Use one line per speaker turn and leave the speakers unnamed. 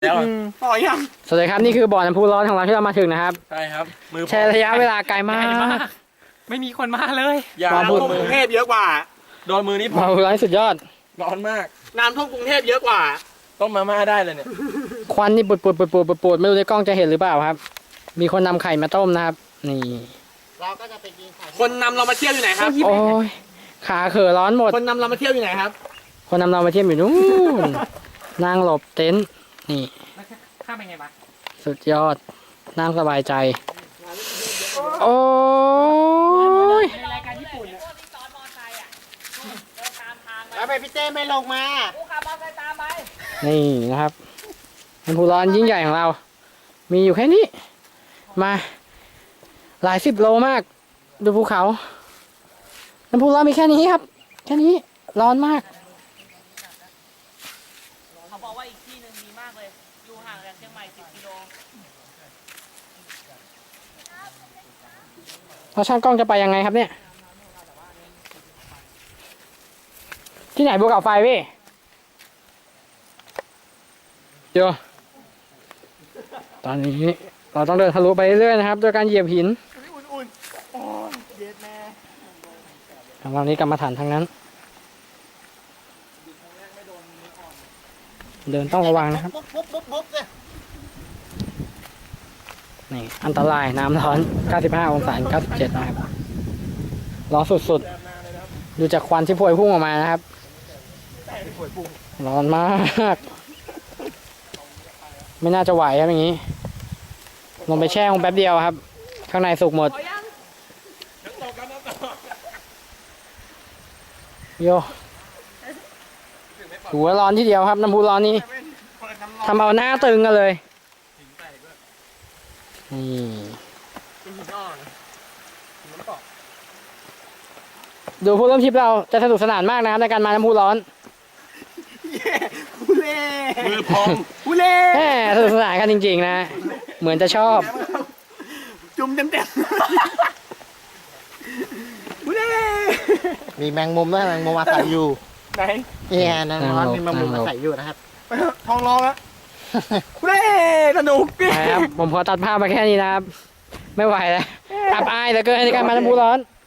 แล้ว
ต่อยัง
สวัสดีครับนี่คือบ่อน้ำพุร้อนของเราที่เรามาถึงนะครับ
ใช่ครับมือ
แช่ระยะเวลาไกลมาก
ไม่มีคนมาเลย
อย่า
น้ำท่วมกรุงเทพเยอะกว่า
โดนมือนี่
บ่อน้ำพุร้อนสุดยอด
ร้อนมาก
น้ำท่วมกรุงเทพเยอะกว่า
ต้มมาม่าได้เลยเนี่ย
ควันนี่ปุดไม่รู้ในกล้องจะเห็นหรือเปล่าครับ มีคนนำไข่มาต้มนะครับนี่
เราก็จะไปกินไข่
คนนำเรามาเที่ยวอยู่ไหนครับ
โอ้ยขาเขอร้อนหมด
คนนำเรามาเที่ยวอยู่ไหนครับ
คนนำเรามาเที่ยวอยู่นู่นนั่งหลบเต็นท์นี่
ข้ามไปไงบ้าง
สุดยอดนั่งสบายใจโอ้ย
ในรายการญี่ปุ่น
แล้วไปพี่เต้ไม่ลงมา
นี่นะครับน้ำพุร้อนยิ่งใหญ่ของเรา มีอยู่แค่นี้มาหลาย10 โลมากดูภูเขาน้ำพุร้อนมีแค่นี้ครับแค่นี้ร้อนมาก
เขาบอกว่าอีกที่หนึ่งดีมากเลย อยู่ห่างจากเชียงใหม่10 กิโล
เราช่างกล้องจะไปยังไงครับเนี่ย ที่ไหนภูเขาไฟพี่เดี๋ยวตอนนี้เราต้องเดินทะลุไปเรื่อยๆนะครับโดยการเหยียบหินของเรานี้กรรมฐานทางนั้น เดินต้องระวังนะครับ
ปุ๊บเลย
นี่อันตรายน้ำร้อน 95 องศา 97 นะครับ ร้อนสุดๆ ดูจากควันที่พวยพุ่งออกมานะครับ ร้อนมาก ไม่น่าจะไหวครับอย่างนี้ ลงไปแช่คงแป๊บเดียวครับ ข้างในสุกหมด โยหัวร้อนที่เดียวครับ น้ำพุร้อนนี้ทำเอาหน้าตึงกันเลยนี่ดูผู้ร่วมทริปเราจะสนุกสนานมากนะครับในการมาน้ำพุร้อน
ผู้เล่
มือพอง
ผู้เล่
แหมสนุกสนานกันจริงๆนะ เหมือนจะชอบ
จุ่มเต็มผู้เล่
มีแมงมุมด้วยแมงมุมอาศัยอยู่
ไหน
เนี่ยนั่นร้อน
นั่งลง
มีแมงมุมอาศัยอยู่นะครับ
ไปเถอะท้องร้องแล้วผู้เล่สนุกดิ
ไปครับ ผมขอตัดภาพมาแค่นี้นะครับ ไม่ไหวแล้วอับอายเหลือเกินในการมาน้ำพุร้อน